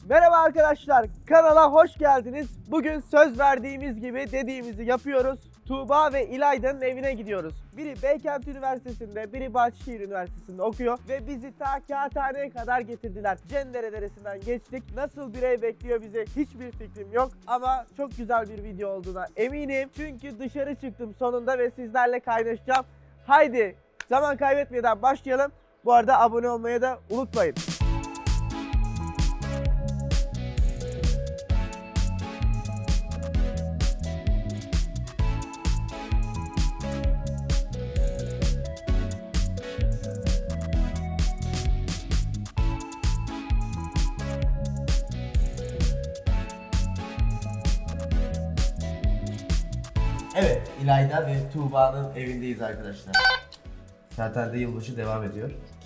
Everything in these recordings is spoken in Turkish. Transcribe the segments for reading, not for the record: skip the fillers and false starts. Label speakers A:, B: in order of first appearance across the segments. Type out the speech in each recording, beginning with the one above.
A: Merhaba arkadaşlar, kanala hoş geldiniz. Bugün söz verdiğimiz gibi dediğimizi yapıyoruz. Tuğba ve İlayda'nın evine gidiyoruz. Biri Beykent Üniversitesi'nde, biri Bahçeşehir Üniversitesi'nde okuyor. Ve bizi ta Kağıthane'ye kadar getirdiler. Cendere Deresi'nden geçtik. Nasıl bir ev bekliyor bizi hiçbir fikrim yok. Ama çok güzel bir video olduğuna eminim. Çünkü dışarı çıktım sonunda ve sizlerle kaynaşacağım. Haydi zaman kaybetmeden başlayalım. Bu arada abone olmayı da unutmayın. Evet, İlayda ve Tuğba'nın evindeyiz arkadaşlar. Zaten de yılbaşı devam ediyor.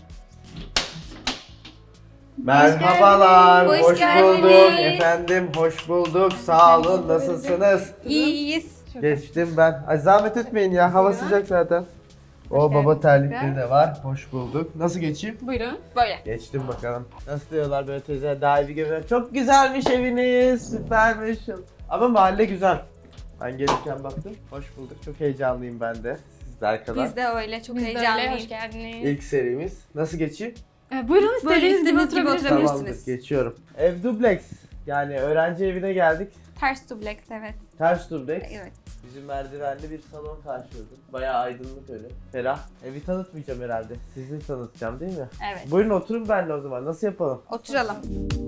A: Merhabalar, hoş bulduk efendim, hoş bulduk. Sağ olun, nasılsınız?
B: İyiyiz.
A: Geçtim ben. Ay zahmet etmeyin ya, hava sıcak zaten. O baba terlikleri de var, hoş bulduk. Nasıl geçeyim?
B: Buyurun. Böyle.
A: Geçtim bakalım. Nasıl diyorlar böyle teyze, daha iyi bir görünüyor. Çok güzelmiş eviniz, süpermiş. Ama mahalle güzel. Ben gelirken baktım. Hoş bulduk. Çok heyecanlıyım ben de. Sizler kadar.
B: Biz de öyle. Çok
C: Biz de
B: heyecanlıyız.
C: öyle, hoş geldiniz.
A: İlk serimiz. Nasıl geçeyim?
C: Buyurun istediğiniz gibi oturabilirsiniz.
B: oturabilirsiniz.
A: Tamamdır. Geçiyorum. Ev dubleks. Yani öğrenci evine geldik.
B: Ters dubleks, evet.
A: Ters dubleks.
B: Evet.
A: Bizim merdivenli bir salon karşıladı. Bayağı aydınlık öyle. Ferah. Evi tanıtmayacağım herhalde. Sizi tanıtacağım değil mi?
B: Evet.
A: Buyurun oturun benimle o zaman. Nasıl yapalım?
B: Oturalım.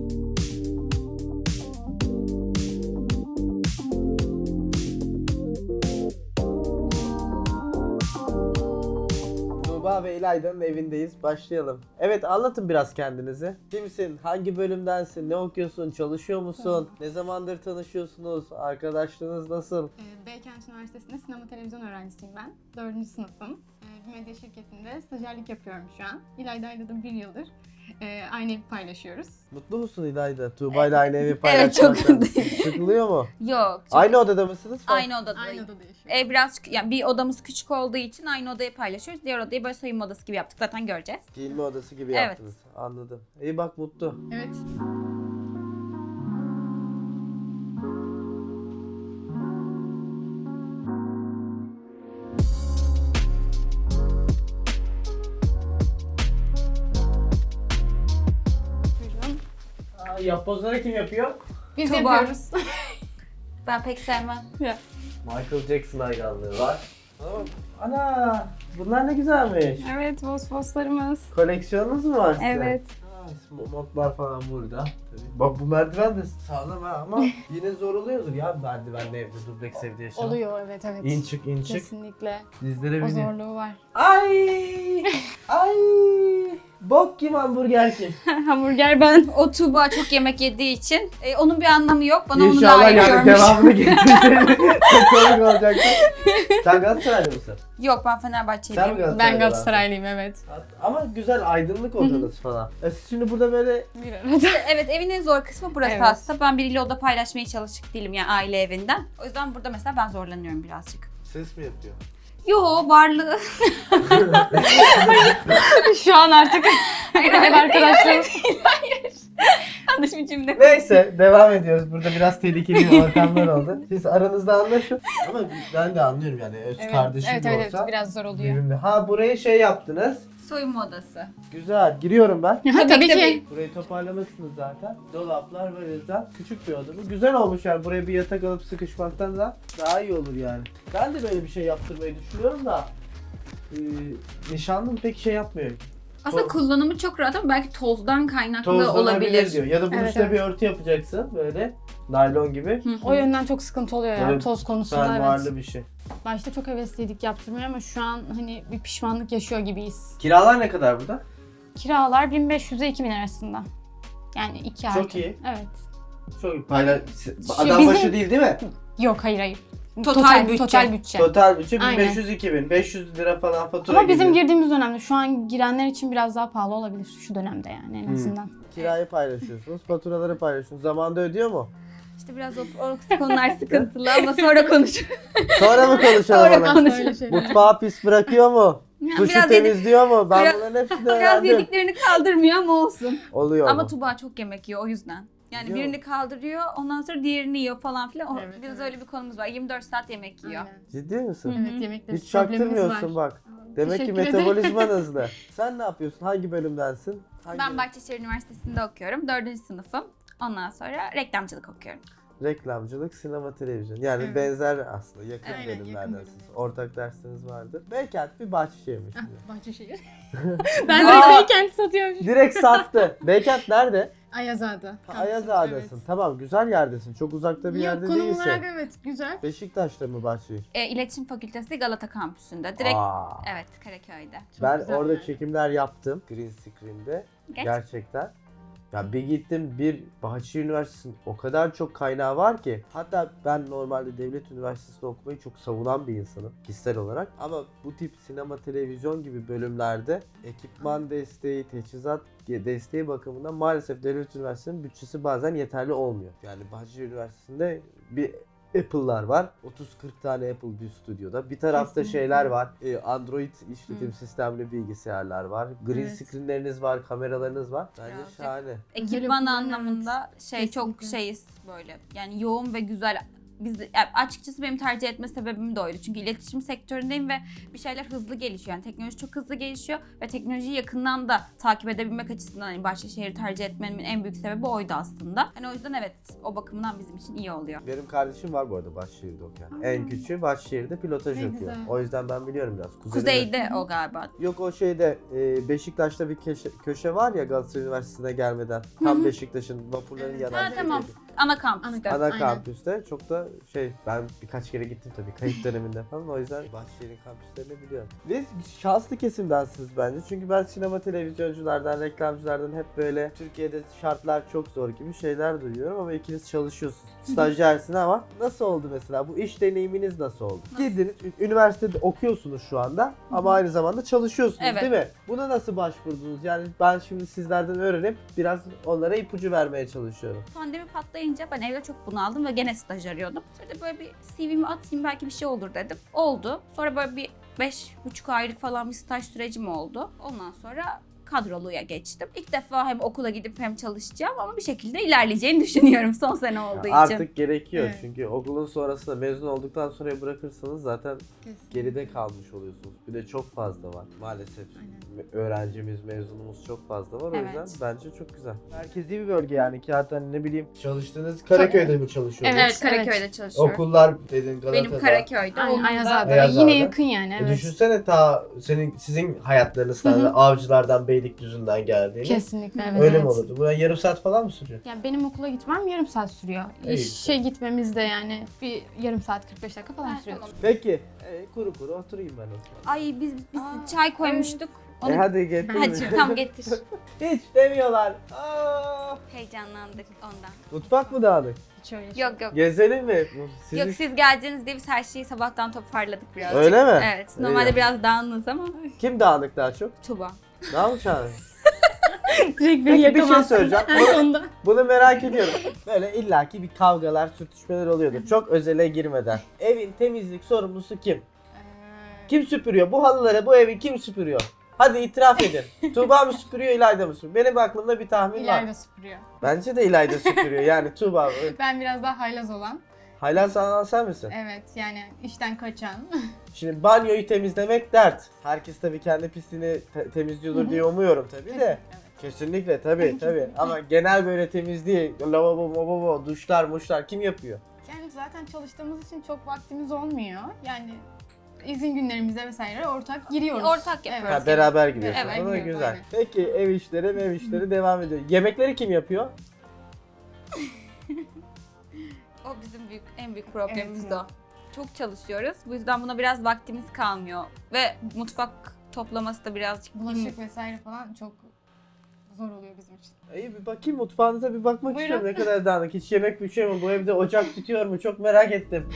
A: Tuğba ve İlayda'nın evindeyiz. Başlayalım. Evet, anlatın biraz kendinizi. Kimsin? Hangi bölümdensin? Ne okuyorsun? Çalışıyor musun? Ne zamandır tanışıyorsunuz? Arkadaşlığınız nasıl?
C: Beykent Üniversitesi'nde sinema televizyon öğrencisiyim ben. 4. sınıfım. Bir medya şirketinde stajyerlik yapıyorum şu an. İlayda'yla da 1 yıldır aynı evi paylaşıyoruz.
A: Mutlu musun İlayda? Tuğba ile aynı evi
B: Evet,
A: paylaşmaktan.
B: çok mutluyum.
A: Sıkılıyor mu?
B: Yok.
A: Aynı odada mısınız?
B: Aynı odadayız.
C: Aynı odada yaşıyoruz.
B: Ev biraz yani bir odamız küçük olduğu için aynı odayı paylaşıyoruz. Diğer odayı böyle soyunma odası gibi yaptık. Zaten göreceğiz.
A: Giyinme odası gibi
B: Evet.
A: yaptınız. Anladım. İyi bak, mutlu.
C: Evet. Buyurun.
A: Yapbozları kim yapıyor?
C: Biz
B: Tuğba.
C: yapıyoruz.
B: Ben pek sevmem.
A: Michael Jackson hayranlığı var. Ana, bunlar ne güzelmiş.
C: Evet, fosforlarımız.
A: Koleksiyonunuz mu var sizin?
C: Evet.
A: Montlar falan burada. Tabii. Bak bu merdiven de sağlam ha ama yine zor oluyordur ya merdivenli evde, dubleks evde yaşamak.
C: Oluyor, evet.
A: İn çık, in çık.
C: Kesinlikle.
A: Dizlere
C: O
A: binin.
C: zorluğu var.
A: Ay! Ay! Bok kim, hamburger kim?
C: Hamburger ben.
B: O Tuğba çok yemek yediği için onun bir anlamı yok. Bana onu
A: İnşallah
B: layık
A: yani
B: görmüş.
A: devamını getirsin. Çok komik olacaktı. Sen Galatasaraylı mısın?
B: Yok, ben
A: Sen mi
B: Fenerbahçeliyim.
A: Galatasaraylı?
C: Ben Galatasaraylıyım, evet.
A: Ama güzel aydınlık odanız falan. Siz şimdi burada böyle
C: Bir arada.
B: Evet, evin en zor kısmı burası
C: Evet.
B: aslında. Ben biriyle oda paylaşmaya çalışık değilim yani aile evinden. O yüzden burada mesela ben zorlanıyorum birazcık.
A: ses mi yapıyor?
B: Yo, varlığı.
C: Şu an artık ev arkadaşlarım.
B: Yanlış bir cümle.
A: Neyse, devam ediyoruz. Burada biraz tehlikeli ortamlar oldu. Siz aranızda anlaşın. Ama ben de anlıyorum yani öz kardeşim
C: Evet,
A: de
C: evet,
A: olsa.
C: biraz zor oluyor.
A: Birbirine. Ha, burayı şey yaptınız.
B: Soyunma odası.
A: Güzel. Giriyorum ben.
C: Tabii ki.
A: Burayı toparlamışsınız zaten. Dolaplar var yüzden. Küçük bir oda bu. Güzel olmuş yani. Buraya bir yatak alıp sıkışmaktan da daha iyi olur yani. Ben de böyle bir şey yaptırmayı düşünüyorum da nişanlım pek şey yapmıyor.
B: Aslında kullanımı çok rahat ama belki tozdan kaynaklı
A: Tozlanabilir
B: olabilir.
A: diyor. Ya da bunun
C: Evet,
A: üstüne
C: evet.
A: bir örtü yapacaksın böyle. Naylon gibi.
B: Hı hı.
C: O yönden çok sıkıntı oluyor ya
A: Böyle
C: toz konusunda,
A: Fermuarlı
C: evet.
A: bir şey.
C: Başta çok hevesliydik yaptırmaya ama şu an hani bir pişmanlık yaşıyor gibiyiz.
A: Kiralar ne kadar burada?
C: Kiralar 1500 ile 2000 arasında. Yani 2 artı.
A: Çok iyi.
C: Evet.
A: Çok iyi. Adam
C: bizim-
A: başı değil mi?
C: Yok, hayır.
B: Total bütçe.
C: Total bütçe.
A: Total bütçe
C: Aynen.
A: 1500-2000. 500 lira falan fatura
C: Ama bizim
A: geliyor.
C: girdiğimiz dönemde şu an girenler için biraz daha pahalı olabilir şu dönemde yani en azından.
A: Kirayı paylaşıyorsunuz, faturaları paylaşıyorsunuz. Zamanında ödüyor mu?
B: İşte biraz o konular sıkıntılı ama sonra konuşuruz.
A: Sonra mı konuşalım
B: Sonra
A: onu?
B: konuşalım.
C: Öyle şeyler.
A: Mutfağı pis bırakıyor mu? Duşu
B: biraz
A: temizliyor mu? Ben
B: biraz-
A: bunların hepsini
B: Biraz
A: öğrendim.
B: yediklerini kaldırmıyor ama olsun.
A: Oluyor
B: Ama
A: mu?
B: Tuba çok yemek yiyor o yüzden. Yani
A: Yok.
B: birini kaldırıyor, ondan sonra diğerini yiyor falan filan.
C: Evet,
B: Biz
C: evet.
B: öyle bir konumuz var. 24 saat yemek yiyor.
C: Aynen.
A: Ciddi misin?
C: Evet, yemekte
A: Hiç
C: problemimiz
A: çaktırmıyorsun
C: var.
A: bak. Demek ki
C: Teşekkür ederim.
A: metabolizman hızlı. Sen ne yapıyorsun? Hangi bölümdensin?
B: Ben Bahçeşehir Üniversitesi'nde okuyorum. 4. sınıfım. Ondan sonra reklamcılık okuyorum.
A: Reklamcılık, sinema, televizyon. Yani
C: Evet.
A: benzer aslında. Yakın
C: Aynen, yakın
A: bölümlerdensiniz.
C: bölümler.
A: Ortak dersiniz vardır. Beykent bir Bahçeşehir'miş.
C: Ah, Bahçeşehir. Ben de Beykent satıyorum.
A: Direkt sattı. Beykent nerede?
C: Ayazağa'da.
A: Ha,
C: kampüsümüz,
A: Ayazağa'dasın.
C: evet.
A: Tamam, güzel yerdesin. Çok uzakta bir
C: Yok,
A: yerde
C: konum
A: değilsin.
C: olarak evet güzel.
A: Beşiktaş'ta mı Bahçeşehir?
B: İletişim Fakültesi Galata Kampüsü'nde. Direkt
A: Aa.
B: evet Karaköy'de.
C: Çok
A: Ben
C: güzel
A: orada
C: yani.
A: çekimler yaptım. Green Screen'de.
B: Geç.
A: Gerçekten. Ya bir gittim, bir Bahçeşehir Üniversitesi'nin o kadar çok kaynağı var ki. Hatta ben normalde devlet üniversitesinde okumayı çok savunan bir insanım kişisel olarak. Ama bu tip sinema, televizyon gibi bölümlerde ekipman desteği, teçhizat desteği bakımından maalesef devlet üniversitesinin bütçesi bazen yeterli olmuyor. Yani Bahçeşehir Üniversitesi'nde bir Apple'lar var. 30-40 tane Apple bir stüdyoda. Bir tarafta
C: Kesinlikle.
A: şeyler var. Android işletim sistemli bilgisayarlar var. Green
C: Evet.
A: screenleriniz var, kameralarınız var. Bence
B: Birazcık.
A: şahane.
B: Ekipman
C: okulların,
B: anlamında çok
C: Kesinlikle.
B: şeyiz böyle. Yani yoğun ve güzel. Biz yani açıkçası benim tercih etme sebebim de oydu. Çünkü iletişim sektöründeyim ve bir şeyler hızlı gelişiyor. Yani teknoloji çok hızlı gelişiyor ve teknolojiyi yakından da takip edebilmek açısından hani Bahçeşehir'i tercih etmemin en büyük sebebi oydu aslında. Hani o yüzden evet o bakımdan bizim için iyi oluyor.
A: Benim kardeşim var bu arada Bahçeşehir'de okuyan. En küçüğü Bahçeşehir'de pilotaj
C: Ne
A: okuyor.
C: güzel.
A: O yüzden ben biliyorum biraz. Kuzenim-
B: Kuzeyde o galiba.
A: Yok o şeyde Beşiktaş'ta bir köşe var ya Galatasaray Üniversitesi'ne gelmeden. Tam Beşiktaş'ın vapurların
C: Evet.
A: yanan
B: Ha, tamam.
A: şeydeydi.
B: Ana kampüste.
A: Ana
C: Aynen.
A: kampüste çok da ben birkaç kere gittim tabii kayıt döneminde falan o yüzden Bahçeşehir'in kampüslerini biliyorum. Ve şanslı kesimdensiniz bence çünkü ben sinema televizyonculardan, reklamcılardan hep böyle Türkiye'de şartlar çok zor gibi şeyler duyuyorum ama ikiniz çalışıyorsunuz. Stajyersin ama nasıl oldu mesela bu iş deneyiminiz nasıl oldu? Girdiniz üniversitede okuyorsunuz şu anda ama aynı zamanda çalışıyorsunuz
B: Evet.
A: değil mi? Buna nasıl başvurdunuz? Yani ben şimdi sizlerden öğrenip biraz onlara ipucu vermeye çalışıyorum.
B: Pandemi patlayınca ben evde çok bunaldım ve gene staj arıyordum. Sonra da böyle bir CV'mi atayım belki bir şey olur dedim. Oldu. Sonra böyle bir 5,5 aylık falan bir staj sürecim oldu. Ondan sonra kadroluya geçtim. İlk defa hem okula gidip hem çalışacağım ama bir şekilde ilerleyeceğini düşünüyorum son sene olduğu için.
A: Artık gerekiyor
C: Evet.
A: çünkü okulun sonrasında mezun olduktan sonra bırakırsanız zaten
C: Kesinlikle.
A: geride kalmış oluyorsunuz. Bir de çok fazla var maalesef. Öğrencimiz, mezunumuz çok fazla var. O
B: Evet.
A: yüzden bence çok güzel. Merkezi bir bölge yani ki hatta ne bileyim. Çalıştığınız Karaköy'de mi çalışıyorsunuz?
B: Evet, Karaköy'de çalışıyorum.
A: Okullar dedin Galata'da.
B: Benim Karaköy'de.
C: Aynen,
B: onun da-
C: Ayazağa'da.
A: Ayazağa'da.
C: Yine yakın yani evet.
A: Düşünsene ta sizin hayatlarınız da Avcılardan Beylikdüzü'nden geldiğini.
C: Kesinlikle evet.
A: Öyle
C: evet.
A: mi olurdu? Buna yarım saat falan mı sürüyor?
C: Yani benim okula gitmem yarım saat sürüyor.
A: İyi.
C: İşe gitmemiz de yani bir yarım saat 45 dakika falan
B: Ha,
C: sürüyor.
B: tamam.
A: Peki. Kuru kuru oturayım ben o zaman.
B: Ay biz çay koymuştuk. Onu...
A: Hadi getir.
B: Hadi tam getir.
A: Hiç demiyorlar. Aa!
B: Heyecanlandık ondan.
A: Mutfak mı dağınık?
C: Hiç öyle şey.
B: Yok.
A: Gezelim mi? Sizi-
B: Yok siz geleceğiniz diye biz her şeyi sabahtan toparladık birazcık.
A: Öyle mi?
B: Evet. Normalde
A: İyi.
B: biraz dağınız ama
A: Kim dağınık daha çok?
B: Tuba.
A: Ne yapacaksın?
C: Direkt beni
A: Peki bir şey
C: yakamazsın.
A: söyleyeceğim.
C: En sonunda.
A: Bunu merak ediyorum. Böyle illaki bir kavgalar, sürtüşmeler oluyordur. Çok özele girmeden. Evin temizlik sorumlusu kim? Kim süpürüyor? Bu halıları, bu evi kim süpürüyor? Hadi itiraf edin. Tuğba mı süpürüyor, İlayda mı süpürüyor? Benim aklımda bir tahmin var.
C: İlayda süpürüyor.
A: Bence de İlayda süpürüyor. Yani Tuğba.
C: Ben biraz daha haylaz olan.
A: Haylaz sana sen misin?
C: Evet yani işten kaçan.
A: Şimdi banyoyu temizlemek dert. Herkes tabii kendi pisliğini temizliyordur diye umuyorum tabii de.
C: Evet.
A: Kesinlikle tabii. Ama genel böyle temizliği, lavabo, duşlar, muşlar kim yapıyor?
C: Yani zaten çalıştığımız için çok vaktimiz olmuyor. Yani izin günlerimize vesaire ortak giriyoruz.
B: Ortak yapıyoruz.
A: Ha, beraber gidiyorsunuz.
B: Evet,
A: O da
C: gidiyoruz,
A: güzel.
C: aynen.
A: Peki ev işleri devam ediyor. Yemekleri kim yapıyor?
B: O bizim en büyük problemimiz
C: Evet.
B: de o. Çok çalışıyoruz. Bu yüzden buna biraz vaktimiz kalmıyor. Ve mutfak toplaması da birazcık
C: Bulaşık vesaire falan çok zor oluyor bizim için.
A: İyi bir bakayım mutfağınıza bir bakmak
C: Buyurun.
A: istiyorum. Ne kadar dağınık. Hiç yemek pişiyor mu? Bu evde ocak tutuyor mu? Çok merak ettim.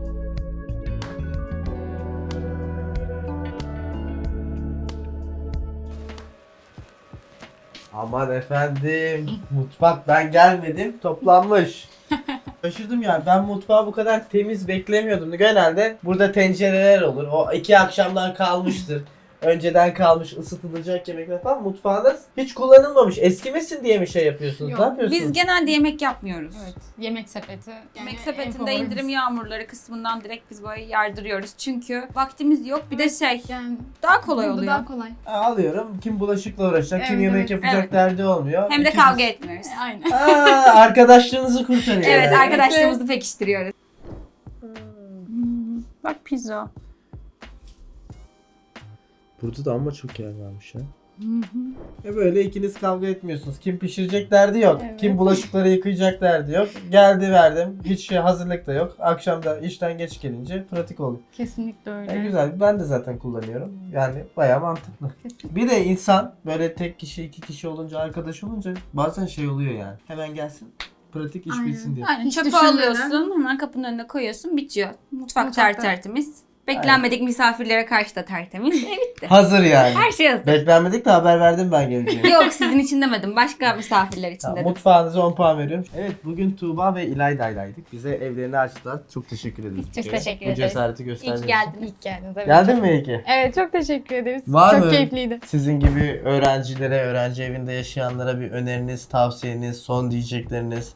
A: Aman efendim. Mutfak ben gelmedim. Toplanmış. Şaşırdım yani. Ben mutfağı bu kadar temiz beklemiyordum. Genelde burada tencereler olur. O 2 akşamdan kalmıştır. önceden kalmış ısıtılacak yemekler falan. Mutfağınız hiç kullanılmamış. Eskimesin diye mi şey yapıyorsunuz?
C: Yok,
A: Ne yapıyorsunuz?
B: Biz genelde yemek yapmıyoruz.
C: Evet. Yemek sepeti.
B: Yemek
C: en
B: sepetinde
C: favorimiz.
B: indirim yağmurları kısmından direkt biz böyle yardırıyoruz. Çünkü vaktimiz yok. Bir de şey
C: Yani
B: daha kolay
C: burada
B: oluyor.
C: daha kolay.
A: Alıyorum. Kim bulaşıkla uğraşacak, kim
C: Evet,
A: yemek
C: evet.
A: yapacak
B: Evet.
A: derdi olmuyor.
B: Hem de
A: İkiniz-
B: kavga etmiyoruz.
C: Aynen.
A: Arkadaşlığınızı kurtarıyor.
B: Evet,
A: yani.
B: arkadaşlarımızı pekiştiriyoruz. Bak pizza.
A: Burada da ama çok yer varmış ya. Böyle ikiniz kavga etmiyorsunuz. Kim pişirecek derdi yok.
C: Evet.
A: Kim bulaşıkları yıkayacak derdi yok. Geldi verdim. Hiç şey hazırlık da yok. Akşam da işten geç gelince pratik oluyor.
C: Kesinlikle öyle.
A: Güzel. Ben de zaten kullanıyorum. Yani bayağı mantıklı.
C: Kesinlikle.
A: Bir de insan böyle tek kişi, iki kişi olunca, arkadaş olunca bazen şey oluyor yani. Hemen gelsin, pratik iş
C: Aynen.
A: bitsin diye.
B: Aynen
C: Hiç
B: çöpü
C: düşünmeden.
B: alıyorsun, hemen kapının önüne koyuyorsun, bitiyor. Mutfak
C: Mutfakta.
B: tertemiz. Beklenmedik misafirlere karşı da tertemiz. Bitti.
A: Hazır yani.
B: Her şey hazır.
A: Beklenmedik de haber verdim ben geleceğini.
B: Yok sizin için demedim. Başka misafirler için
A: Tamam,
B: dedim.
A: mutfağınıza 10 puan veriyorum. Evet, bugün Tuğba ve İlayda'ylaydık. Bize evlerini açtılar. Çok teşekkür ederiz.
B: Biz çok
A: bir kere.
B: teşekkür
A: Bu
B: ederiz.
A: cesareti
B: İyi
A: gösterdiğiniz
B: ki
A: için.
B: geldiniz.
C: İlk geldiniz. Evet.
A: Geldin mi iyi ki?
C: Evet, çok teşekkür ederiz.
A: Var
C: çok
A: mı?
C: keyifliydi.
A: Sizin gibi öğrencilere, öğrenci evinde yaşayanlara bir öneriniz, tavsiyeniz, son diyecekleriniz.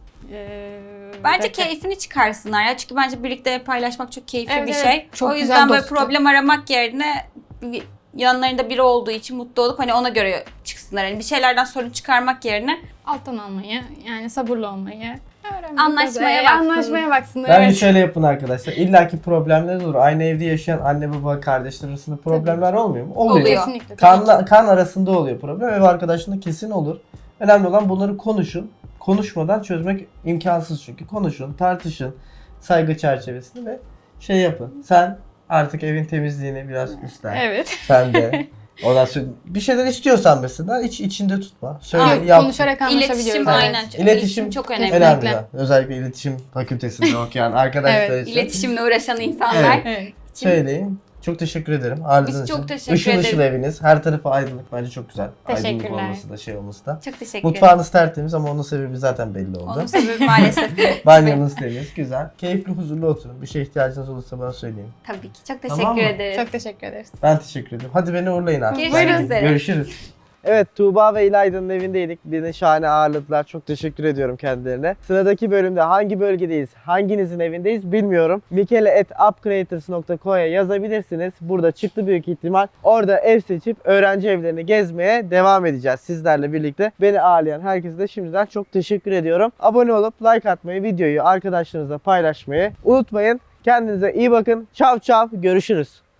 B: Bence keyfini çıkarsınlar ya. Çünkü bence birlikte paylaşmak çok keyifli
C: Evet,
B: bir
C: evet.
B: şey.
C: Çok
B: o
C: güzel
B: yüzden böyle
C: dostluk.
B: problem aramak yerine yanlarında biri olduğu için mutlu olup hani ona göre çıksınlar. Hani bir şeylerden sorun çıkarmak yerine
C: Alttan almayı, yani sabırlı olmayı öğrenmek
B: Anlaşmaya
C: üzere.
B: baksın.
C: Anlaşmaya baksınlar.
A: Bence
C: Evet.
A: şöyle yapın arkadaşlar. İlla ki problemler olur. Aynı evde yaşayan anne baba kardeşler arasında problemler olmuyor mu? Oluyor.
B: Oluyor.
C: Kesinlikle. tabii ki.
A: Kan arasında oluyor problem. Ev arkadaşında kesin olur. Önemli olan bunları konuşun. Konuşmadan çözmek imkansız çünkü. Konuşun, tartışın saygı çerçevesinde ve şey yapın. Sen artık evin temizliğini biraz üstlen.
C: Evet.
A: Sen de. Ondan sonra bir şeyler istiyorsan mesela içinde tutma. Söyle
C: Yok,
A: yap.
C: konuşarak anlaşabiliyoruz.
B: iletişim
C: Evet.
B: aynen.
A: İletişim
B: çok önemli.
C: Kesinlikle.
A: Önemli. Özellikle iletişim fakültesinde okuyan arkadaşlar
C: Evet,
A: için.
B: İletişimle uğraşan insanlar.
A: Evet.
C: Evet.
A: Söyleyin. Çok teşekkür ederim. Ağırladığınız
B: Biz çok
A: için.
B: teşekkür
A: Işıl ışıl
B: ederiz.
A: eviniz. Her tarafı aydınlık. Bence çok güzel. Aydınlık
C: Teşekkürler.
A: olması da şey olması da.
B: Çok teşekkür ederim.
A: Mutfağınız tertemiz ama onun sebebi zaten belli oldu.
B: Onun sebebi maalesef.
A: Banyonuz temiz. Güzel. Keyifli, huzurlu oturun. Bir şey ihtiyacınız olursa bana söyleyin.
B: Tabii ki. Çok
A: Tamam
B: teşekkür
A: mı?
B: ederiz.
C: Çok teşekkür ederiz.
A: Ben teşekkür ederim. Hadi beni uğurlayın artık.
B: Görüşmek
A: Ben-
B: üzere.
A: Görüşürüz. Evet, Tuğba ve İlayda'nın evindeydik. Beni şahane ağırladılar. Çok teşekkür ediyorum kendilerine. Sıradaki bölümde hangi bölgedeyiz, hanginizin evindeyiz bilmiyorum. mikele@upcreators.co'ya yazabilirsiniz. Burada çıktı büyük ihtimal. Orada ev seçip öğrenci evlerini gezmeye devam edeceğiz sizlerle birlikte. Beni ağırlayan herkese de şimdiden çok teşekkür ediyorum. Abone olup like atmayı, videoyu arkadaşlarınızla paylaşmayı unutmayın. Kendinize iyi bakın. Çav çav. Görüşürüz.